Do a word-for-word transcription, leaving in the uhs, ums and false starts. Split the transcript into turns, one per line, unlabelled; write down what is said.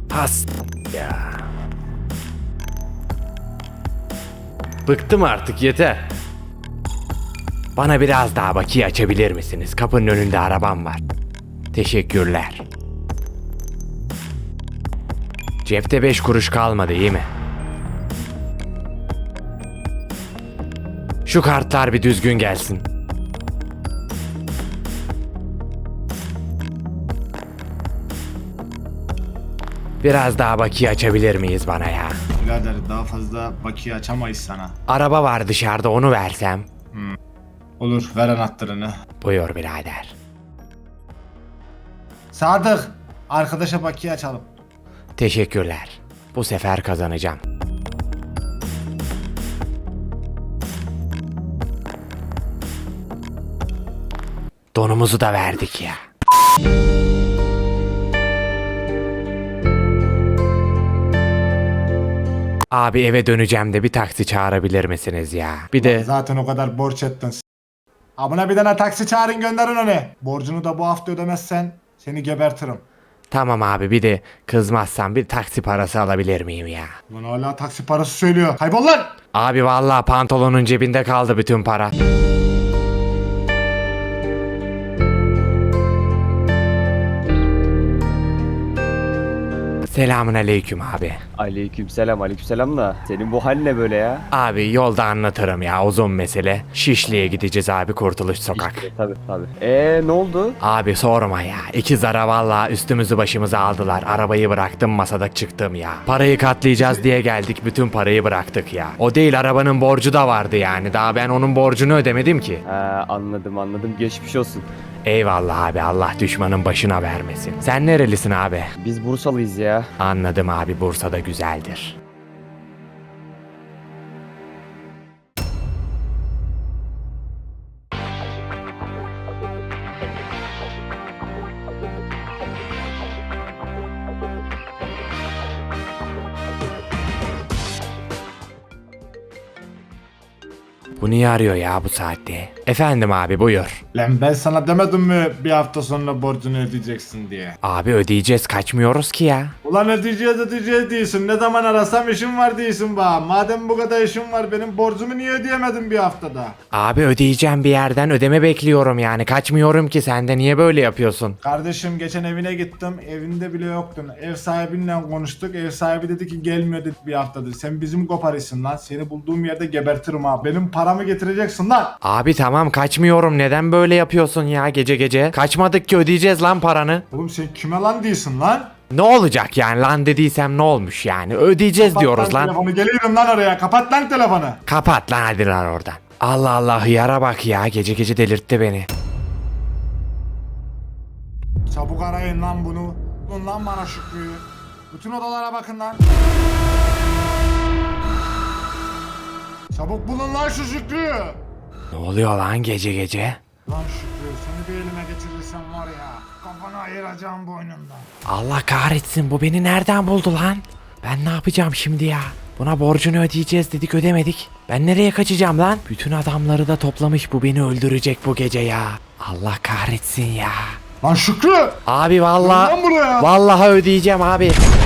Has ya. Bıktım artık, yeter. Bana biraz daha bakiye açabilir misiniz? Kapının önünde arabam var. Teşekkürler. Cepte beş kuruş kalmadı, iyi mi? Şu kartlar bir düzgün gelsin. Biraz daha bakiye açabilir miyiz bana ya?
Birader daha fazla bakiye açamayız sana.
Araba var dışarıda, onu versem.
Hmm. Olur, ver anahtarını.
Buyur birader.
Sadık, arkadaşa bakiye açalım.
Teşekkürler. Bu sefer kazanacağım. Donumuzu da verdik ya. Abi eve döneceğim de bir taksi çağırabilir misiniz ya? Bir de
Zaten o kadar borç ettin. Abone bir tane taksi çağırın, gönderin onu. Borcunu da bu hafta ödemezsen seni gebertirim.
tamam abi, bir de kızmazsan bir taksi parası alabilir miyim ya?
Lan hala taksi parası söylüyor. Kaybol lan!
Abi vallahi pantolonun cebinde kaldı bütün para. Selamun aleyküm abi.
Aleykümselam, aleykümselam da senin bu hal ne böyle ya?
Abi yolda anlatırım ya, uzun mesele. Şişli'ye gideceğiz abi, Kurtuluş Sokak.
İşte, tabii tabii. Eee ne oldu?
Abi sorma ya. İki zara valla üstümüzü başımızı aldılar. Arabayı bıraktım, masada çıktım ya. Parayı katlayacağız diye geldik, bütün parayı bıraktık ya. O değil, arabanın borcu da vardı yani. Daha ben onun borcunu ödemedim ki.
Ha, anladım anladım, geçmiş olsun.
Eyvallah abi, Allah düşmanın başına vermesin. Sen nerelisin abi?
Biz Bursalıyız ya.
Anladım abi, Bursa'da güzeldir. Bu niye arıyor ya bu saatte? Efendim abi, buyur.
Lan ben sana demedim mi bir hafta sonra borcunu ödeyeceksin diye.
Abi ödeyeceğiz, kaçmıyoruz ki ya.
Ulan ödeyeceğiz ödeyeceğiz diyorsun. Ne zaman arasam işim var diyorsun bana. Madem bu kadar işim var, benim borcumu niye ödeyemedin bir haftada?
Abi ödeyeceğim, bir yerden ödeme bekliyorum yani. Kaçmıyorum ki, sen de niye böyle yapıyorsun?
Kardeşim geçen evine gittim. Evinde bile yoktun. Ev sahibinle konuştuk. Ev sahibi dedi ki gelmiyor dedi bir haftadır. Sen bizim koparısın lan. Seni bulduğum yerde gebertirim abi. Benim paramı getireceksin lan.
Abi tamam, kaçmıyorum, neden böyle yapıyorsun ya gece gece? Kaçmadık ki, ödeyeceğiz lan paranı.
Oğlum sen kime lan diyorsun lan?
Ne olacak yani, lan dediysem ne olmuş yani? Ödeyeceğiz
Kapat
diyoruz lan.
telefonu, geliyorum lan oraya. Kapat lan telefonu.
Kapat lan, hadi lan oradan. Allah Allah, hıyara bak ya, gece gece delirtti beni.
Çabuk arayın lan bunu. Bulun lan bana Şükrü'yü. Bütün odalara bakın lan. Çabuk bulun lan şu Şükrü'yü.
Ne oluyor lan gece gece?
Lan Şükrü, seni bir elime geçirirsem var ya, kafanı ayıracağım boynundan.
Allah kahretsin, bu beni nereden buldu lan? Ben ne yapacağım şimdi ya? Buna borcunu ödeyeceğiz dedik, ödemedik. Ben nereye kaçacağım lan? Bütün adamları da toplamış, bu beni öldürecek bu gece ya. Allah kahretsin ya.
Lan Şükrü!
Abi
Gel
vallahi
lan buraya.
vallahi ödeyeceğim abi.